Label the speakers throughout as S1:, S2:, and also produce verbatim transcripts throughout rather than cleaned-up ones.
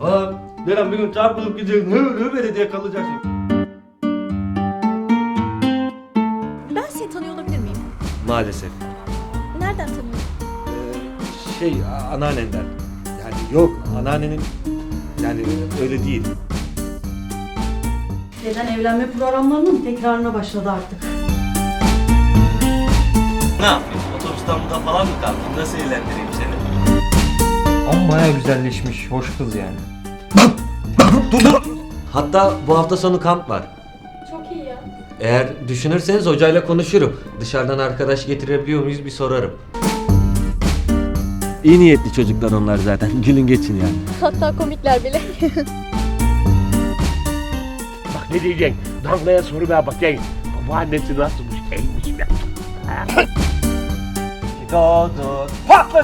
S1: Aa, Deren bir gün çarpılıp gideceksin. Hı hı böyle diye kalacaksın.
S2: Ben seni tanıyor olabilir miyim?
S1: Maalesef.
S2: Nereden tanıyorsun?
S1: Ee, şey a- anneannenden. Yani yok anneannenin yani öyle değil.
S3: Neden evlenme programlarının tekrarına başladı artık.
S1: Ne yapayım? Otobüsten burada falan mı kaldın? Nasıl eğlendireyim seni?
S4: Ama baya güzelleşmiş, hoş kız yani.
S1: Dur dur! Hatta bu hafta sonu kamp var.
S2: Çok iyi ya.
S1: Eğer düşünürseniz hocayla konuşurum. Dışarıdan arkadaş getirebiliyor muyuz bir sorarım. İyi niyetli çocuklar onlar zaten. Gülün geçin yani.
S2: Hatta komikler bile.
S5: Bak ne diyeceksin? Damlaya soru ver bakayım. Babaannesi nasılmış? Eymiş mi?
S1: Doğdu.
S5: Patladı!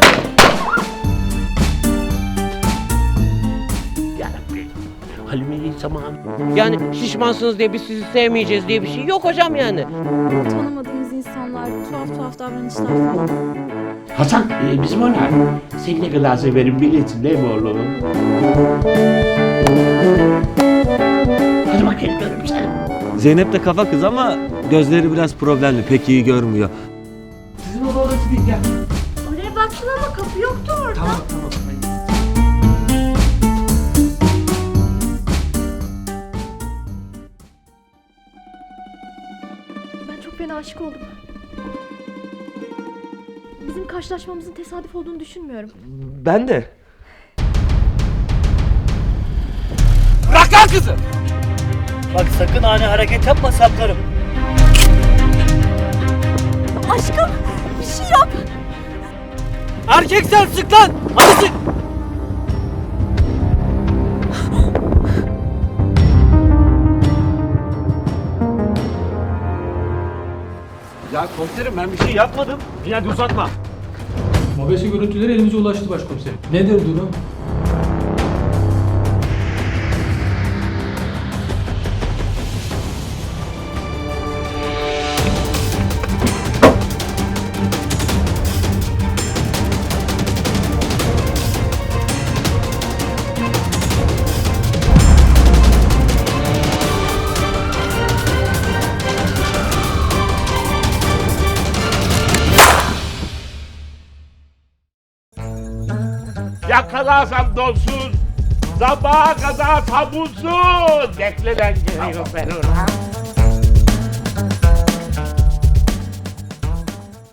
S5: Yarabbim. Halime'yi zaman.
S6: Yani şişmansınız diye biz sizi sevmeyeceğiz diye bir şey yok hocam yani.
S2: Tanımadığımız insanlar, tuhaf tuhaf davranışlar falan.
S5: Hasan e, bizim ona. Seni ne kadar severim bilirsin değil mi oğlum? Hadi bakayım görüm seni.
S1: Zeynep de kafa kız ama gözleri biraz problemli. Pek iyi görmüyor.
S5: Sizin oda orası değil gel.
S2: Oraya baktın ama kapı yoktu orada.
S5: Tamam tamam.
S2: Ben çok fena aşık oldum. Bizim karşılaşmamızın tesadüf olduğunu düşünmüyorum.
S1: Ben de.
S5: Bırak lan kızı!
S7: Bak sakın ani hareket yapma saplarım.
S2: Aşkım bir şey yap.
S7: Erkek sen sık lan! Hadi sık!
S1: Ya komiserim ben bir şey yapmadım.
S5: İyi hadi uzatma.
S4: Mobese görüntüleri elimize ulaştı başkomiserim. Nedir durum?
S5: Yakalarsam donsuz, sabaha kadar tabunsuz. Bekle ben geliyorum ben ona.